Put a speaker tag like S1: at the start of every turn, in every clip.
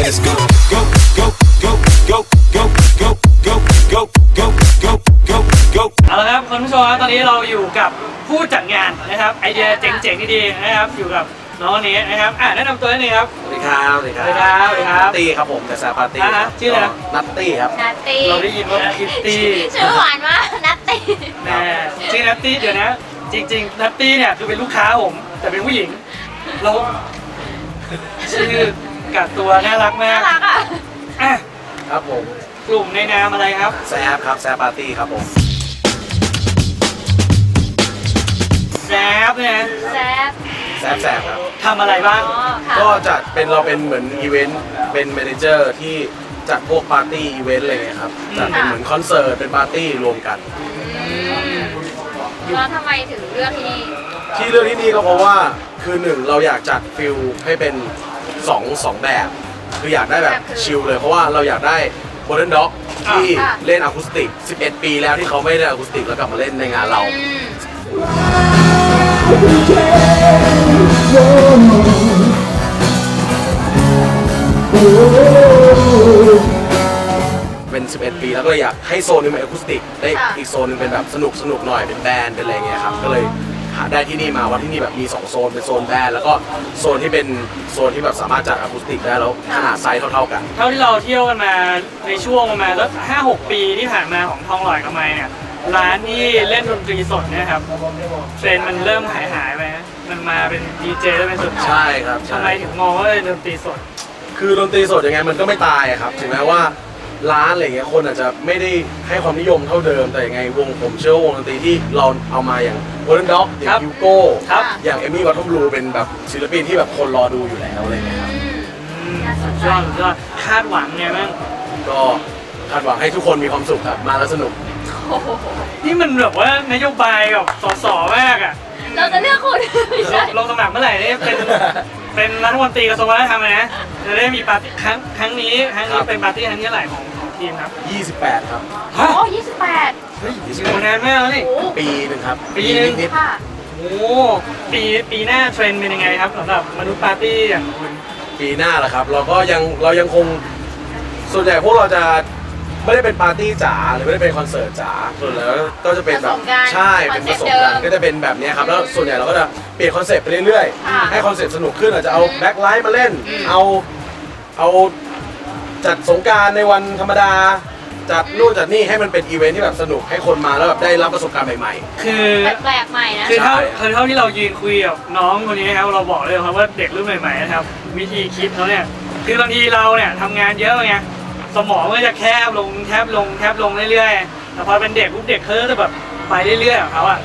S1: Let's go, go, go, go, go, go, go, go, go, go, go, go, go.
S2: เอาละครับคุณผู้ชมครับตอนนี้เราอยู่กับผู้จัดงานนะครับไอเดียเจ๋งๆดีๆนะครับอยู่กับน้องคนนี้นะครับแนะนำตัวนิดนึงครับ
S3: สวัสดีครับสวัสดีครับ
S2: สวัสดีครับสวัสดีครับ
S3: นัตตี้ครับผมแต่ซาปาร์ตี้
S2: ชื่ออะไรนะ
S3: นัตตี้ครับ
S4: นัตตี้
S2: เราได้ยินว่าคิตตี้
S4: ชื่อหวานมากนัตตี้
S2: แม่ชื่อนัตตี้เดี๋ยวนะจริงๆนัตตี้เนี่ยคือเป็นลูกค้าผมแต่เป็นผู้หญิงเราชื่อกัดตัวน่ารักมา
S4: น่าก รักอ่ะ
S2: อ่ะ
S3: ครับผม
S2: กลุ่มในนามอะไรครับ
S3: แซฟครับแซฟปาร์ตี้ครับผม
S2: แซฟเนี่ย
S4: แซ่บ
S3: แซฟครับ
S2: ทำอะไรบ้าง
S4: อ๋อค่ะ
S3: ก็จัดเป็นเราเป็นเหมือนอีเวนต์เป็นแมเนเจอร์ที่จัดพวกปาร์ตี้อีเวนต์อะไรเงี้ยครับจัดเป็นเหมือนคอนเสิร์ตเป็นปาร์ตี้รวมกัน
S4: แล้วทำไมถึงเลือกที่นี่
S3: ที่เรื่องที่นี่ก็เพราะว่าคือหนึ่งเราอยากจัดฟิลให้เป็นสองแบบ คืออยากได้แบบชิลเลยเพราะว่าเราอยากได้โมเดิร์นด็อกที่เล่นอะคูสติก 11 ปีแล้วที่เขาไม่ได้อะคูสติกแล้วกลับมาเล่นในงานเรา เป็น 11 ปีแล้วก็เลยอยากให้โซนนึงเป็นอะคูสติกได้อีกโซนนึงเป็นแบบสนุกหน่อยเป็นแบนด์เป็นอะไรเงี้ยครับก็เลยหาได้ที่นี่มาว่าที่นี่แบบมี2โซนเป็นโซนแบนด์แล้วก็โซนที่เป็นโซนที่แบบสามารถจัดอะคูสติกได้แล้วขนาดไซส์เท่าๆกัน
S2: เท่าที่เราเที่ยวกันมาในช่วงประมาณสัก5-6 ปีที่ผ่านมาของทองหล่อยกับไมเนี่ยร้านที่เล่นดนตรีสดเนี่ยครับเทรนด์มันเริ่มหายไปนะมันมาเป็นดีเจแล้วเป็นสุด
S3: ใช่ครับ
S2: ทำไมถึงมองว่าเป็นดนตรีสด
S3: คือดนตรีสดยังไงมันก็ไม่ตายอะครับถึงแม้ว่าร้านอะไรเงี้ยคนอาจจะไม่ได้ให้ความนิยมเท่าเดิมแต่ยังไงวงผมเชื่อว่าวงดนตรีที่เราเอามาอย่าง Golden Dog อย่า
S2: ครั
S3: ง
S2: บ
S3: ฮิวโก้
S2: ครับ
S3: อย่างเอมี่วัตถุบลูเป็นแบบศิลปินที่แบบคนรอดูอยู่แล้วอะไรเงี้ยครับ
S2: สุดยอดสุดยอดคาดหวังไงบ้าง
S3: ก็คาดหวังให้ทุกคนมีความสุขครับมาแล้วสนุก
S4: โอ้โห
S2: นี่มันแบบว่านโยบายกับสมากอ่ะ
S4: เราจะเลือกคุณไม่ใช่
S2: ลงสมัครเมื่อไหร่นี่เป็นรัฐมนตรีกระทรวงวัฒนธรรมเลยนะจะได้มีปาร์ตี้ครั้งนี้เป็นปาร์ตี้ครั้งที่เท่าไหร่ของทีมครับ
S3: 28 ครับ
S2: ฮะ
S4: โอ้28
S3: เฮ้ย
S2: อยู่มานานมากแล้วนี่
S4: โอ้
S3: ปีหนึ่งครับ
S2: ปีหนึ่ง
S3: นิด
S4: ค่ะ
S2: โอ้ปีหน้าเทรนด์เป็นยังไงครับสำหรับมนุษย์ปาร์ตี้อย่างคุณ
S3: ๆปีหน้าแหละครับเรายังคงส่วนใหญ่พวกเราจะไม่ได้เป็นปาร์ตี้จ๋าหรือไม่ได้เป็นคอนเสิร์ตจ๋าส่วนแล้วก็จะเป็นแบบใช่เป็นผสมกันก็จะเป็นแบบนี้ครับแล้วส่วนใหญ่เราก็จะเปลี่ยนคอนเซ็ปต์ไปเรื่อยๆให้คอนเซ็ปต์สนุกขึ้นอาจจะเอาแบ็คไลท์มาเล่นเอาจัดสงกรานต์ในวันธรรมดาจัดนู่นจัดนี่ให้มันเป็นอีเวนท์ที่แบบสนุกให้คนมาแล้วแบบได้รับประสบการณ์ใหม่
S2: คือ
S4: แปลกๆใหม่นะ
S2: คือ
S3: ใช่
S2: เท่าที่เรายืนคุยกับน้องคนนี้นะครับเราบอกเลยครับว่าเด็กรุ่นใหม่ๆนะครับวิธีคิดเขาเนี่ยคือบางทีเราเนี่ยทำงานเยอะไงสมองก็จะแคบลงเรื่อยๆแต่พอเป็นเด็กปุ๊บเด็กเขาจะแบบไปเรื่อยๆของเขาอ่ะ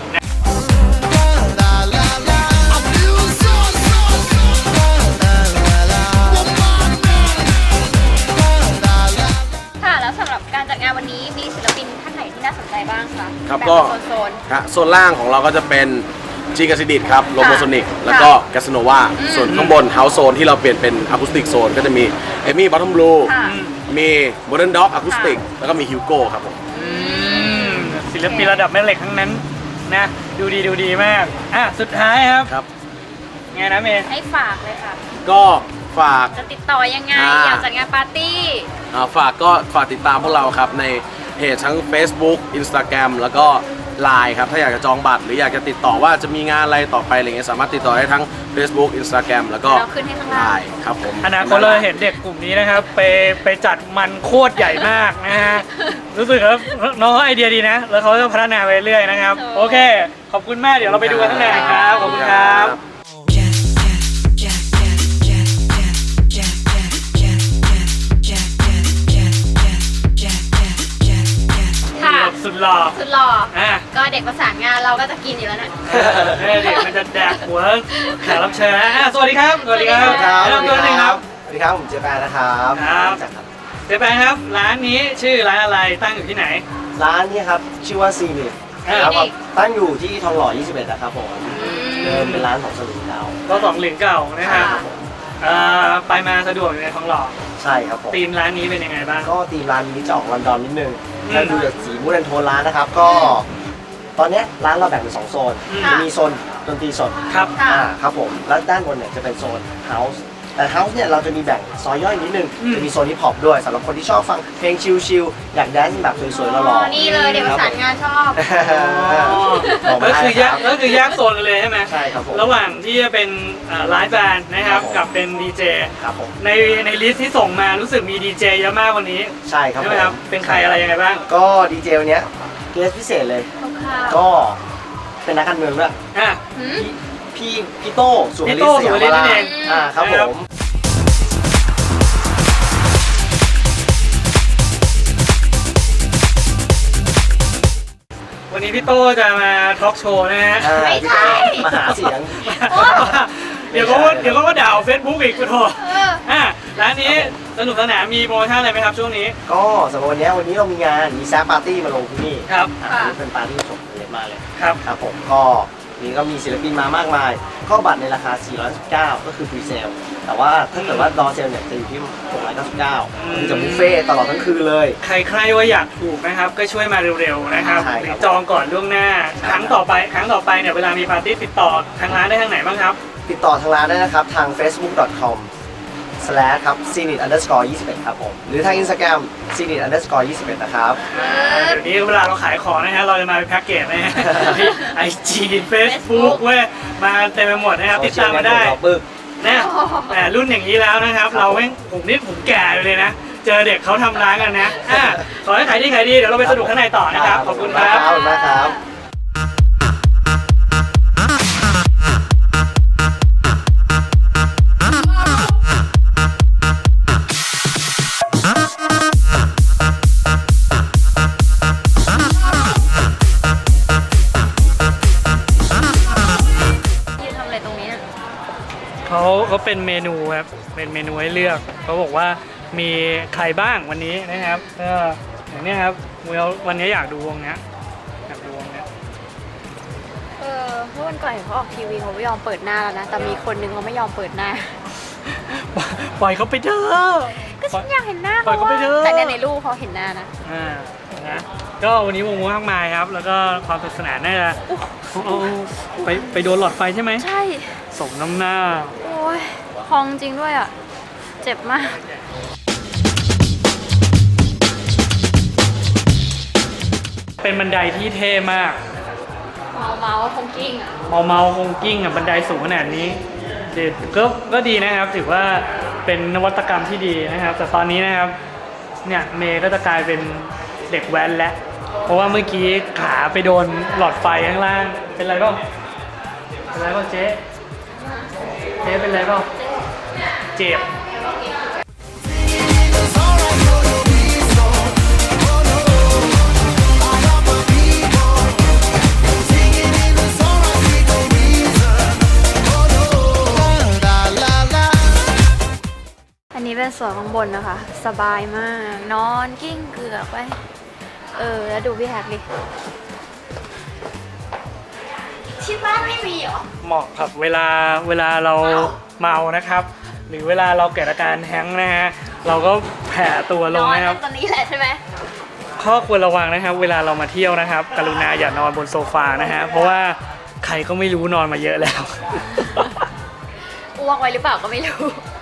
S4: ค่ะแล้วสำหรับการจัดงานวันนี้มีศิลปินท่านไหนที่น่าสนใจบ้างคะ
S3: ครับ
S4: แบ่ง
S3: ก็
S4: เป็นโซน
S3: ๆฮะโซนล่างของเราก็จะเป็นจีกาซิดิตครับโลโบโซนิกแล้วก็แกสโนวาส่วนข้างบนเฮาส์โซนที่เราเปลี่ยนเป็นอะคูสติกโซนก็จะมีเอมี่บอททอมบลู
S4: ค่ะ
S3: มีโมเดิร์นด็อกอะคูสติกแล้วก็มีฮิวโก้ครับผม
S2: ศิลปินระดับแม่เหล็กทั้งนั้นนะดูดีมากสุดท้ายครับ
S3: ครับ
S2: ไงนะเมย์
S4: ให้ฝากเลยค่ะ
S3: ก็ฝาก
S4: จะติดต่อยังไง อยากจัดงานปาร์ตี้
S3: ฝากติดตามพวกเราครับในเพจทั้ง Facebook Instagram แล้วก็ Line ครับถ้าอยากจะจองบัตรหรืออยากจะติดต่อว่าจะมีงานอะไรต่อไปอะไรเงี้ยสามารถติดต่อได้ทั้ง Facebook Instagram แล้วก็
S4: เราขึ้นให้ข้างล่าง
S3: Line ครับผม
S2: อนาคตเราเห็นเด็กกลุ่มนี้นะครับไปจัดมันโคตรใหญ่มากนะฮะรู้สึกว่าน้องเขาไอเดียดีนะแล้วเขาจะพัฒนาไปเรื่อยนะครับโอเคขอบคุณมากเดี๋ยวเราไปดูกันข้างในครับขอบคุณครับ
S4: ค่ะ
S2: สุดหล่อ
S4: สุดหล่อ
S2: อ่ะ
S4: ก็เด็กประสานงานเราก็จะกินอยู่แล้วนะ
S2: เด็กมันจะแดกหัวแขกรับเชิญนะสวัสดีครับสวัสดีครับ
S4: สวัสดีครับ
S2: แนะนำตัวหนึ่งครับ
S5: สวัสดีครับผมเจแปนนะครับ
S2: ครับเจ๊แปงครับร้านนี้ชื่อร้านอะไรตั้งอยู่ที่ไหน
S5: ร้านนี้ครับชื่อว่าซีนิค
S2: ครับ
S5: ครับตั้งอยู่ที่ทองหล่อ 21 นะครับผมเดิมเป็นร้านของสลิงดาว
S2: ก็สองหลิงเก่านะครับไปมาสะดวกอยู่ในทองหล่อ
S5: ใช่ครับผม
S2: ธีมร้านนี้เป็นยังไงบ้าง
S5: ก็ตีมร้านนี้จะออกลอนดอนนิดนึง
S2: อืม
S5: ถ้าดูจากสีมูดแอนโทนร้านนะครับ ก็ตอนเนี้ยร้านเราแบ่งเป็น2โซน
S2: อืม
S5: จะมีโซนดนตรีสด
S2: ครับ
S4: ค่ะ
S5: ครับผมแล้วด้านบนเนี่ยจะเป็นโซนเฮาส์แต่เฮาส์เนี่ยเราจะมีแบ่งซอยย่อยนิดนึงจะมีโซนฮิปฮอปด้วยสำหรับคนที่ชอบฟังเพลงชิลๆอยากแดนซ์แบบสวยๆหล่อๆ
S4: นี่เลยเดี๋ยวประสานงานชอบ
S5: บอกมา
S2: ก็
S5: ได้
S2: คือ
S5: ค
S2: แย
S5: รั
S2: ก
S5: บ
S2: ก็คือแยกโซนกันเลยใช่ไหม
S5: ใช่ครับผม
S2: ระหว่างที่จะเป็นไลฟ์แบนด์นะครับ
S5: ครับผม
S2: กับเป็นดีเจ
S5: ครับผม
S2: ในลิสต์ที่ส่งมารู้สึกมีดีเจเยอะมากวันนี้
S5: ใช่ครับ
S2: ใช่ไหมครับ
S5: ผม
S2: เป็นใครอะไรยังไงบ้าง
S5: ก็ดีเจวันเนี้ยเกสพิเศษเลย ก็เป็นนักการเมืองด้วย
S2: อ่ะ
S5: พี่โต้สุวรรณ
S2: พี่โต้
S5: สยาม
S2: สุวรรณ
S5: วรา
S2: นั่นเอง
S5: ครับ
S2: นะ
S5: ผ
S2: ครับ
S5: ม
S2: วันนี้พี่โต้จะมาทอล์กโชว์นะฮะ
S4: ไม่ใช่
S5: มาหาเสียง
S2: เดี๋ยวก็ว่าด่าเฟซบุ๊กอีกคุณโท
S4: เออ
S2: ร้านนี้สนุกสนานมีโปรโมชั่นอะไรไหมครับช่วงนี้
S5: ก็สำหรับวันนี้เรามีงานมีแซฟปาร์ตี้มาลงที่นี่
S2: ครับ
S5: อันนี้เป็นปาร์ตี้สดเล็กมากเลย
S2: ครับ
S5: ครับผมก็นี่ก็มีศิลปินมามากมายก็บัตรในราคา 419 ก็คือฟรีเซลแต่ว่าถ้าเกิดว่าดอเซลเนี่ยจะอยู่ที่ 699คือจะบุฟเฟ่ต์ตลอดทั้งคืนเลย
S2: ใครว่าอยากถูกนะครับก็ช่วยมาเร็วๆนะครับ
S5: ใช่
S2: ห
S5: ค
S2: รื
S5: รับ
S2: อจองก่อนล่วงหน้า ครั้งต่อไปเนี่ยเวลามีปาร์ตี้ติดต่อทางร้านได้ทางไหนบ้างครับ
S5: ติดต่อทางร้านได้นะครับทาง facebook.com/ ครับ @cnit_21 ครับผมหรือทาง Instagram cnit_21 นะครับ
S2: เดี๋ยวนี้เวลาเราขายของนะฮะเราจะมาเป็นแพ็กเกจนะฮะที่ IG Facebook เว้ยมาเต็มไปหมดนะครับติดตามมาได้
S5: โซเชียลเน็ตเวิร์กเราปึ๊ก
S2: นะแต่รุ่นอย่างนี้แล้วนะครับ เราแม่งผมแก่เลยนะ เจอเด็กเขาทำร้านกันนะขอให้ขายดีเดี๋ยวเราไปสนุกข้างในต่อนะครับ ขอบคุณครับ
S5: ขอบคุณมากครับ
S4: ยืนทำอะไรตรงนี้น่ะ
S2: เขาเป็นเมนูครับเป็นเมนูให้เลือกเขาบอกว่ามีใครบ้างวันนี้นะครับก็อย่างนี้ครับวันนี้อยากดูวงเนี้ย
S4: เมื่อวันก่อนเห็นเขาออกทีวีเขาไม่ยอมเปิดหน้าแล้วนะ แต่มีคนนึงเขาไม่ยอมเปิดหน้า
S2: ปล่อยเขาไปเถอะ
S4: ก็ฉันอยากเห็นหน้า
S2: ปล่อยเขาไปเถอะ
S4: แต่ในรูปเขาเห็นหน้านะ
S2: นะก็วันนี้วงมากมายครับ แล้วก็ความสนุกสนานน่าจะไปโดนหลอดไฟใช่ไหม
S4: ใช่
S2: สมน้ำหน้า
S4: โอ้ยพองจริงด้วยอ่ะ เจ็บมาก
S2: เป็นบันไดที่เท่มาก
S4: เมาคงกิ้งอ่ะ
S2: เมาคงกิ้งบันไดสูงขนาดนี้เด็ดก็ดีนะครับถือว่าเป็นนวัตกรรมที่ดีนะครับ แต่ตอนนี้นะครับเนี่ยเมย์ก็จะกลายเป็นเด็กแว้นแล้วเพราะว่าเมื่อกี้ขาไปโดนหลอดไฟข้างล่างเป็นไรบ้างเจ๊เป็นไรบ้างเจ็บ
S4: อันนี้เป็นส่วนข้างบนนะคะ สบายมาก นอนกิ้งเกือกไป แล้วดูพี่แฮกดิที่บ้านไม่มีเหรอ
S2: เหมาะกับเวลาเราเมานะครับ หรือเวลาเราเกิดอาการแฮงก์นะฮะเราก็แผ่ตัวลงนะครับ
S4: ตอนนี้แหละใช่ไหม
S2: ข้อควรระวังนะครับ เวลาเรามาเที่ยวนะครับ กรุณาอย่านอนบนโซฟานะฮะเพราะว่าใครก็ไม่รู้นอนมาเยอะแล้ว
S4: อ้วกไว้หรือเปล่าก็ไม่รู้